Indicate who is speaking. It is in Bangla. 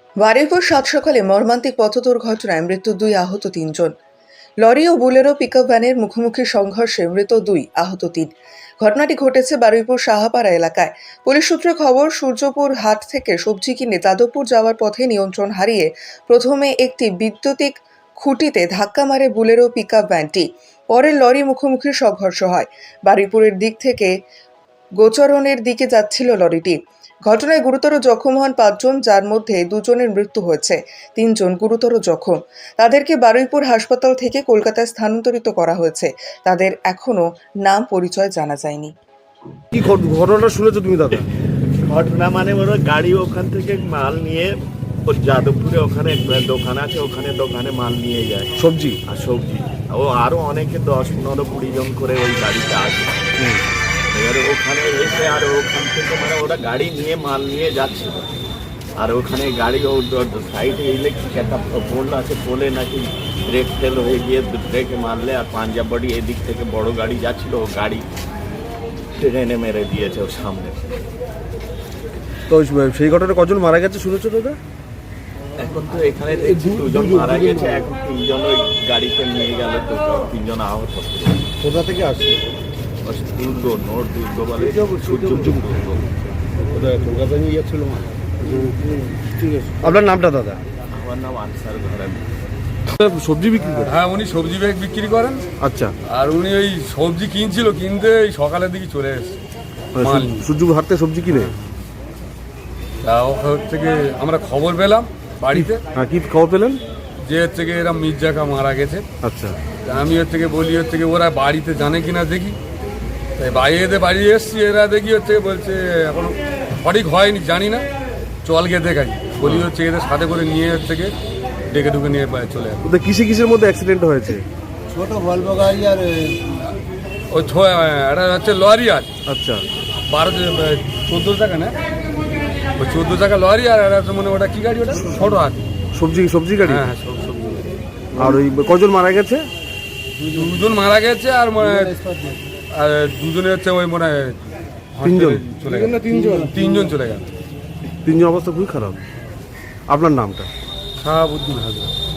Speaker 1: বারুইপুর সাত সকালে মর্মান্তিক পথ দুর্ঘটনায় মৃত্যু 2, আহত 3 জন। লরি ও বুলেরো পিকআপ ভ্যানের মুখোমুখি সংঘর্ষে মৃত 2, আহত 3। ঘটনাটি ঘটেছে বারুইপুর সাহাপাড়া এলাকায়। পুলিশ সূত্রে খবর, সূর্যপুর হাট থেকে সবজি কিনে যাদবপুর যাওয়ার পথে নিয়ন্ত্রণ হারিয়ে প্রথমে একটি বৈদ্যুতিক খুঁটিতে ধাক্কা মারে বুলেরো পিকআপ ভ্যানটি। পরে লরি মুখোমুখি সংঘর্ষ হয়। বারুইপুরের দিক থেকে গোচরণের দিকে যাচ্ছিল লরিটি। ঘটনায় গুরুতর জখম হন 5 জন, যার মধ্যে 2 জনের মৃত্যু হয়েছে, 3 জন গুরুতর জখম। তাদেরকে বারুইপুর হাসপাতাল থেকে কলকাতায় স্থানান্তরিত করা হয়েছে। তাদের এখনো নাম পরিচয় জানা যায়নি।
Speaker 2: কি ঘটনাটা শুনেছো তুমি দাদা?
Speaker 3: ঘটনা মানে ওরা গাড়ি ওখান থেকে মাল নিয়ে ওর যাদবপুরে ওখানে একটা দোকান আছে, ওখানে দোকানে মাল নিয়ে যায়
Speaker 2: সবজি
Speaker 3: আর সবজি। ও আরো অনেকে 10, 15, 20 জন করে ওই গাড়িতে আসে। এবারে ওখানে এসে আর ওখান থেকে মানে ওরা গাড়ি নিয়ে মাল নিয়ে যাচ্ছিল। আর ওখানে গাড়ি ও সাইডে ইলেকট্রিক একটা পোল আছে, পোলে নাকি ব্রেক ফেল হয়ে গিয়ে ব্রেকে মারলে আর পাঞ্জাব বডি এদিক থেকে বড় গাড়ি যাচ্ছিল, ও গাড়ি ট্রেনে মেরে দিয়েছে ওর সামনে।
Speaker 2: তো সেই ঘটনায় কজন মারা গেছে শুনেছো দাদা?
Speaker 3: এখন তো এখানে দেখছি 2 জন মারা গেছে, এখন 3 জন ওই গাড়িতে নিয়ে গেল, তো 3 জন আহত।
Speaker 2: কোথা থেকে আসছে?
Speaker 3: দুর্গ, নোট দুর্গ বলে, সূর্যপুর দুর্গ।
Speaker 2: কলকাতা নিয়ে যাচ্ছিল। ঠিক আছে, আপনার নামটা দাদা?
Speaker 3: আমার নাম আনসার ঘরামি।
Speaker 2: সবজি বিক্রি করে?
Speaker 4: হ্যাঁ, উনি সবজি ব্যাগ বিক্রি করেন।
Speaker 2: আচ্ছা।
Speaker 4: আর উনি ওই সবজি কিনছিল, কিনতে এই সকালের দিকে চলে এসছে মাল নিয়ে।
Speaker 2: সূর্যপুর হাট থেকে সবজি কিনে?
Speaker 4: তা ওখান থেকে আমরা খবর পেলাম বাড়িতে,
Speaker 2: হ্যাঁ, কি খবর পেলেন?
Speaker 4: যে হচ্ছে গিয়ে এরা মির্জাকা মারা গেছে।
Speaker 2: আচ্ছা।
Speaker 4: তা আমি হচ্ছে গিয়ে বলি হচ্ছে গিয়ে ওরা বাড়িতে জানে কিনা দেখি। তাই বাইরে বাড়ি এসছি, এরা দেখি হচ্ছে বলছে এখনো সঠিক হয়নি, জানি না, চল গিয়ে দেখাই। বলি হচ্ছে এদের সাথে করে নিয়ে হচ্ছে গিয়ে ডেকে ঢুকে নিয়ে চলে আসে।
Speaker 2: ওদের কিসের মধ্যে অ্যাক্সিডেন্ট হয়েছে?
Speaker 5: ছোট ভলভো গাড়ি আর
Speaker 4: ওই একটা হচ্ছে লরি আছে।
Speaker 2: আচ্ছা।
Speaker 4: 14 টাকা না, ওই 14 টাকা লরি, আর একটা মানে ওটা কি গাড়ি, ওটা ছোট আছে
Speaker 2: সবজি গাড়ি?
Speaker 4: হ্যাঁ, সবজি গাড়ি।
Speaker 2: আর ওই কজন মারা গেছে?
Speaker 4: 2 জন মারা গেছে, আর মানে আর 2 জনের হচ্ছে ওই মানে
Speaker 2: 3 জন
Speaker 4: চলে গেল। 3 জন চলে গেল।
Speaker 2: 3 জন অবস্থা খুবই খারাপ। আপনার নামটা?
Speaker 4: শাহাবুদ্দিন হাজরা।